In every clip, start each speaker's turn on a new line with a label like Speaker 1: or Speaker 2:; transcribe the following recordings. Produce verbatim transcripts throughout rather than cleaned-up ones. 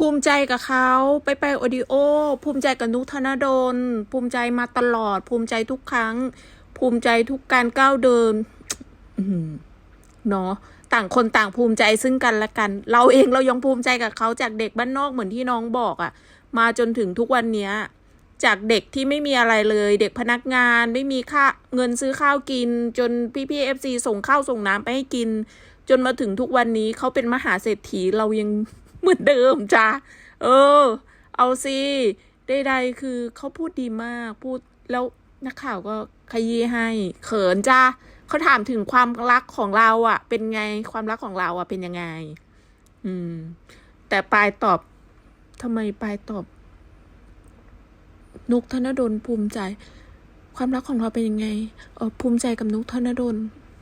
Speaker 1: ภูมิใจกับเขาไปไปโอดิโอภูมิใจกับนุกธนดลภูมิใจมาตลอดภูมิใจทุกครั้งภูมิใจทุกการก้าวเดินเนาะต่างคนต่างภูมิใจซึ่งกันและกันเราเองเรายังภูมิใจกับเขาจากเด็กบ้านนอกเหมือนที่น้องบอกอะมาจนถึงทุกวันนี้จากเด็กที่ไม่มีอะไรเลยเด็กพนักงานไม่มีค่าเงินซื้อข้าวกินจนพี่พี่เอฟซีส่งข้าวส่งน้ำไปให้กินจนมาถึงทุกวันนี้เขาเป็นมหาเศรษฐีเรายังเหมือนเดิมจ้าเออเอาสิได้ใดคือเขาพูดดีมากพูดแล้วนักข่าวก็ขยี้ให้เขินจ้าเขาถามถึงความรักของเราอ่ะเป็นไงความรักของเราอ่ะเป็นยังไงอืมแต่ปายตอบทำไมปายตอบนุกธนดลภูมิใจความรักของเราเป็นยังไงเออภูมิใจกับนุกธนดล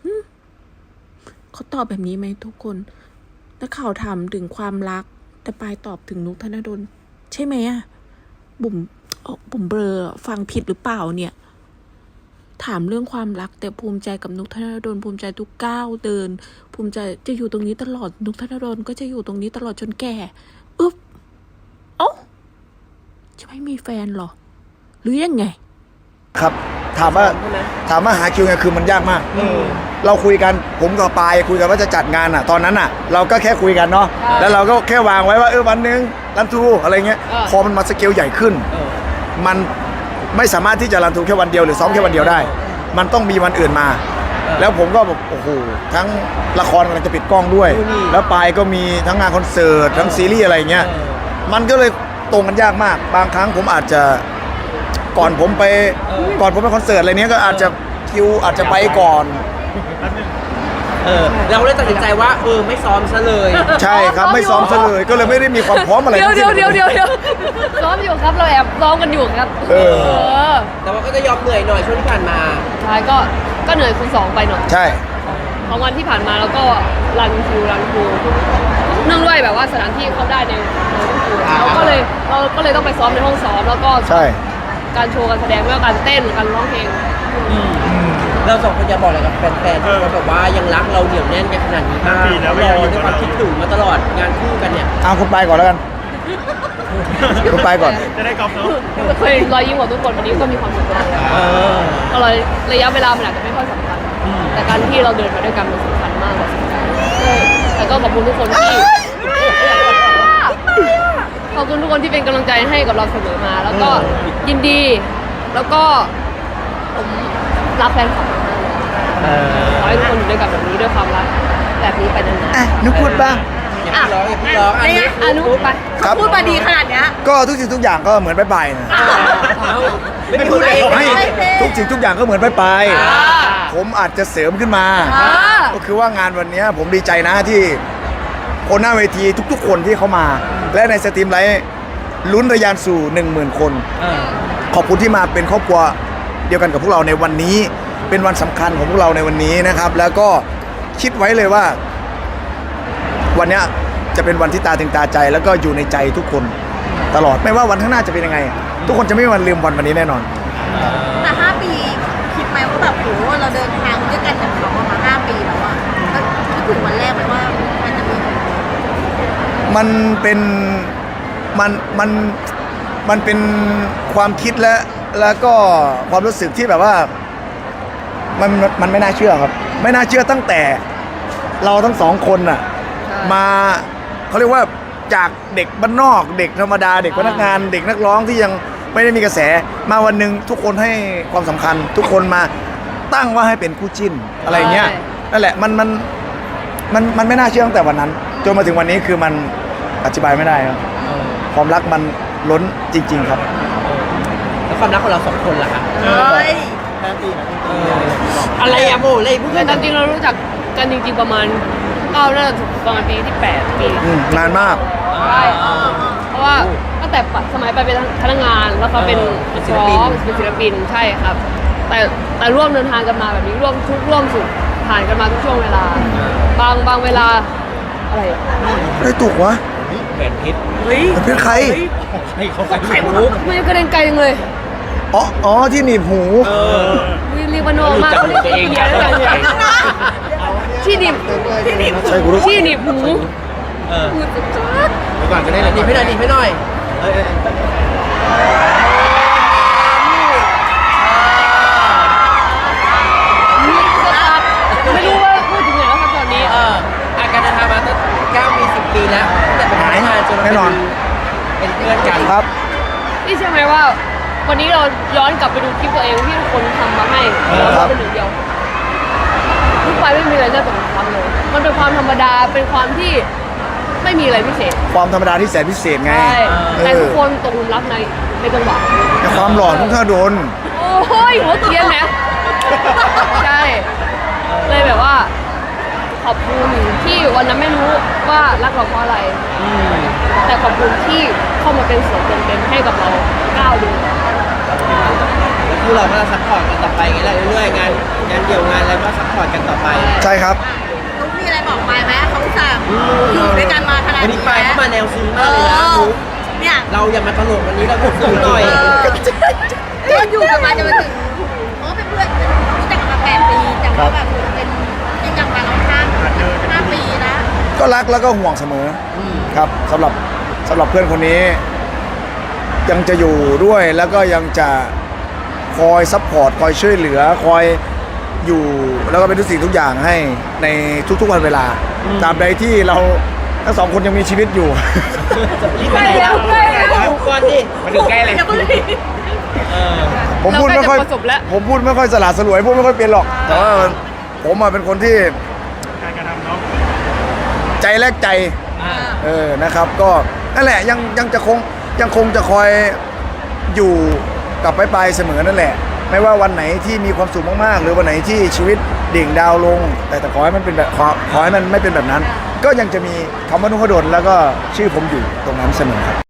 Speaker 1: เขาตอบแบบนี้ไหมทุกคนนักข่าวถามถึงความรักแต่ปายตอบถึงนุกธนดลใช่ไหมอะบุ๋มบุ๋มเบลอฟังผิดหรือเปล่าเนี่ยถามเรื่องความรักแต่ภูมิใจกับนุกธนดลภูมิใจทุกก้าวเดินภูมิใจจะอยู่ตรงนี้ตลอดนุกธนดลก็จะอยู่ตรงนี้ตลอดจนแก่อึ๊บเอ้าจะไม่มีแฟนหรอหรือยังไง
Speaker 2: ครับถามว่าถามว่าหาคิวไงคือมันยากมากเราคุยกันผมกับปายคุยกันว่าจะจัดงานอ่ะตอนนั้นอ่ะเราก็แค่คุยกันเนาะแล้วเราก็แค่วางไว้ว่าเออวันนึงรันทูอะไรเงี้ยพอมันมาสเกลใหญ่ขึ้นมันไม่สามารถที่จะรันทูแค่วันเดียวหรือซ้อมแค่วันเดียวได้มันต้องมีวันอื่นมาแล้วผมก็แบบโอ้โหทั้งละครกำลังจะปิดกล้องด้วยแล้วปายก็มีทั้งงานคอนเสิร์ตทั้งซีรีส์อะไรเงี้ยมันก็เลยตรงกันยากมากบางครั้งผมอาจจะก่อนผมไปก่อนผมไปคอนเสิร์ตอะไรเนี้ยก็อาจจะคิวอาจจะไปก่อน
Speaker 3: เออเราเลยตัดสินใจว่าเออไม่ซ้อมซะเลย
Speaker 2: ใช่ครับไม่ซ้อมซะเลยก็เลยไม่ได้มีความพร้อมอะไร
Speaker 4: เดี๋ยวเดี๋ยวเดี๋ยวเดี๋ยวเดี๋ยวซ้อมอยู่ครับเราแอบซ้อมกันอยู่ครับเอ
Speaker 3: อแต่ว่าก็จะยอมเหนื่อยหน่อยช่วงที่ผ่านมา
Speaker 4: ใช่ก็ก็เหนื่อยคูณสองไปหน่อย
Speaker 2: ใช่
Speaker 4: ของวันที่ผ่านมาแล้วก็รันคิวรันคิวเนื่องด้วยแบบว่าสถานที่เขาได้ในเราก็เลยเราก็เลยต้องไปซ้อมในห้องซ้อมแล้วก็
Speaker 2: ใช่
Speaker 4: การโชว์การแสดงไม่ว่าการเต้นการร้องเพลง
Speaker 3: เราสองคนจะบอกอะไรกับแฟนๆที่เขาแบบว่ายังรักเราเหนียวแน่นกันขนาดนี้บ้างเรารอด้วยความคิดถึงมาตลอดงานคู่กันเนี่ย
Speaker 2: เอาคุณไปก่อนแล้วกันคุณไปก่อน
Speaker 3: จะได้กอล์ฟเนาะ
Speaker 4: เคยรอยยิ้มของทุกคนวันนี้ก็มีความสุขมากก็เลยระยะเวลามันอาจจะไม่ค่อยสำคัญแต่การที่เราเดินมาด้วยกันมันสำคัญมากกว่าสำคัญแล้วก็ขอบคุณทุกคนที่ขอบคุณทุกคนที่เป็นกำลังใจให้กับเราเสมอมาแล้วก็ยินดีแล้วก็ผมรักแฟนคลับมากขอให้ทุกคนอยู่ด้วยกันแบบนี้ด้วยความรักแบบนี้ไปนานๆ
Speaker 2: อ่ะนุ๊กพูดบ้าง
Speaker 3: อย่าร้องอย่าพี่ร้องอันนี้
Speaker 4: อนุไป
Speaker 1: พูดมาดีขนาดเนี้ย
Speaker 2: ก็ทุกสิ่งทุกอย่างก็เหมือนไปไปนะ
Speaker 3: ไม่พูดเอง
Speaker 2: ให้ทุกสิ่งทุกอย่างก็เหมือนไปไปผมอาจจะเสริมขึ้นมาก็คือว่างานวันนี้ผมดีใจนะที่คนหน้าเวทีทุกๆคนที่เขามาและในสตรีมไลท์ลุ้นระยานสู่หนึ่งหมื่นคนขอบคุณที่มาเป็นครอบครัวเดียวกันกับพวกเราในวันนี้เป็นวันสำคัญของพวกเราในวันนี้นะครับแล้วก็คิดไว้เลยว่าวันนี้จะเป็นวันที่ตาถึงตาใจแล้วก็อยู่ในใจทุกคนตลอดไม่ว่าวันข้างหน้าจะเป็นยังไงทุกคนจะไม่มีวันลืมวันวันนี้แน่นอน
Speaker 1: แต่ห้าปีคิดไหมว่าแบบโหเราเดินทางด้วยกันกับเขามาห้าปีแล้วอะแล้วคิดถึงวันแรกไหมว่ามันจะมี
Speaker 2: มันเป็นมันมันมันเป็นความคิดและแล้วก็ความรู้สึกที่แบบว่ามันมันไม่น่าเชื่อครับไม่น่าเชื่อตั้งแต่เราทั้งสองคนน่ะมาเขาเรียกว่าจากเด็กบ้านนอกเด็กธรรมดาเด็กพนักงานเด็กนักร้องที่ยังไม่ได้มีกระแสมาวันหนึ่งทุกคนให้ความสำคัญทุกคนมาตั้งว่าให้เป็นคู่จิ้นอะไรเงี้ยนั่นแหละมันมันมันมันไม่น่าเชื่อตั้งแต่วันนั้นจนมาถึงวันนี้คือมันอธิบายไม่ได้ครับความรักมันล้นจริงๆครับ
Speaker 3: แล้วความรักของเราสองคนล่ะครับ
Speaker 1: เฮ้ย
Speaker 3: อะไรอะโมเลยเพื่อน
Speaker 4: จริงๆเรารู้จักกันจริงๆประมาณเก้าน่าจะประมาณปีที่แปดปี
Speaker 2: นานมาก
Speaker 4: ใช่เพราะว่าตั้งแต่สมัยไปเป็นพนักงานแล้วเขาเป็นศิลปินเป็นศิลปินใช่ครับแต่แต่ร่วมเดินทางกันมาแบบนี้ร่วมทุกร่วมสุขผ่านกันมาทุกช่วงเวลาบางบางเวลาอะไร
Speaker 2: ไม่ถูกวะ
Speaker 3: แหวนเพชร
Speaker 2: เฮ้ยแหวนเพชรใคร
Speaker 3: ให้เขาไข่มุก
Speaker 4: มันกระเด็นไกลจังเลย
Speaker 2: อ๋ออ๋อที่หนีบหู
Speaker 4: เรียกว่าน้องมากเขาเรียกเยอะเลยที่หนีบที่หนีบที่หนีบหูหูจะจัด
Speaker 2: ดี๋ยวก่อนจะได้
Speaker 3: หนีไปหน่อยหนีไปหน่อยเออเออ
Speaker 4: ไม่รู้ว่าพูดถึงไหนแล้วครับตอนนี้
Speaker 3: เอออาการเดินทางมาตั้งเก้าปีสิบปีแล้วตั้งแต่เป็นพนักงานจนเรา
Speaker 2: แน่นอน
Speaker 3: เป็นเพื่อนกัน
Speaker 2: ครับ
Speaker 4: นี่ใช่อไหมว่าวันนี้เราย้อนกลับไปดูคลิปตัวเองที่ทุกคนทำมาให้เราเป็นหนึ่งเดียวทุกไปไม่มีอะไรน่าจดจำเลย มันเป็นความธรรมดาเป็นความที่ไม่มีอะไรพิเศษ
Speaker 2: ความธรรมดาที่แสนพิเศษไง
Speaker 4: ใช่
Speaker 2: เอ
Speaker 4: แต่ทุ
Speaker 2: อก
Speaker 4: คนตกหลุมรักในในจังหวะ
Speaker 2: แต่ความหล่อนุ่งท่าโดน
Speaker 4: โอ้ยหัวเกรียนนะใช่เลยแบบว่า ขอบคุณที่วันนั้นไม่รู้ว่ารักเราเพราะอะไร แต่ขอบคุณที่เข้ามาเป็นส่วนเต็มๆให้กับเราก้าวเดิน
Speaker 3: แล้วคู่เราก็จะซัพพอร์ตกันต่อไปไงแหละเรื่อยๆงานงานเดี่ยวงานอะไรก็ซัพพอร์ตกันต่อไป
Speaker 2: ใช่ครับ
Speaker 5: นุ๊กมีอะไรบอกไปไหมเขาอุตส่าห์อยู่ด้วยกันมาขนาด
Speaker 3: วันนี้
Speaker 5: นี้
Speaker 3: ไปเข้ามาแนวซึ้ง
Speaker 5: เอ
Speaker 3: มากเลยนะ
Speaker 5: อ
Speaker 3: นุ๊ก
Speaker 5: เนี่ย
Speaker 3: เราอย่ามาตลกวันนี้เราซึ้งหน่อย
Speaker 5: ก็อยู่กันมาจะมาถึงเพราะว่าเป็นเพื่อนรู้จักกันมาแปดปีแต่ว่าแบบเป็นยังจังมาเราห้าห้าปีนะ
Speaker 2: ก็รักแล้วก็ห่วงเสมออครับสำหรับสำหรับเพื่อนคนนี้ ยังจะอยู่ด้วยแล้วก็ยังจะคอยซัพพอร์ตคอยช่วยเหลือคอยอยู่แล้วก็เป็นทุกสิ่งทุกอย่างให้ในทุกๆวันเวลาตราบใดที่เราทั้งสองคนยังมีชีวิตอยู่
Speaker 3: รีบไปไหนแล้ว
Speaker 4: ใกล้แล้ว
Speaker 3: ดูก่อนดิมาถึงใกล้เลย
Speaker 5: เดี๋ยวก็เลย
Speaker 3: เออ
Speaker 2: ผมพูดไม่ค่อย
Speaker 4: เราใกล้จะประสบแล้ว
Speaker 2: ผมพูดไม่ค่อยสละสลวยพูดไม่ค่อยเป็นหรอก แต่ว่าผมอะเป็นคนที่ใจแลกใจ
Speaker 3: อ่า
Speaker 2: เออนะครับ ก็นั่นแหละยังยังจะคงยังคงจะคอยอยู่กับไปไปเสมอนั่นแหละ ไม่ว่าวันไหนที่มีความสุขมากๆหรือวันไหนที่ชีวิตดิ่งดาวลง แต่แต่ขอให้มันเป็นแบบขอขอให้มันไม่เป็นแบบนั้น ก็ยังจะมีคำว่านุ่งขดลแล้วก็ชื่อผมอยู่ตรงนั้นเสมอครับ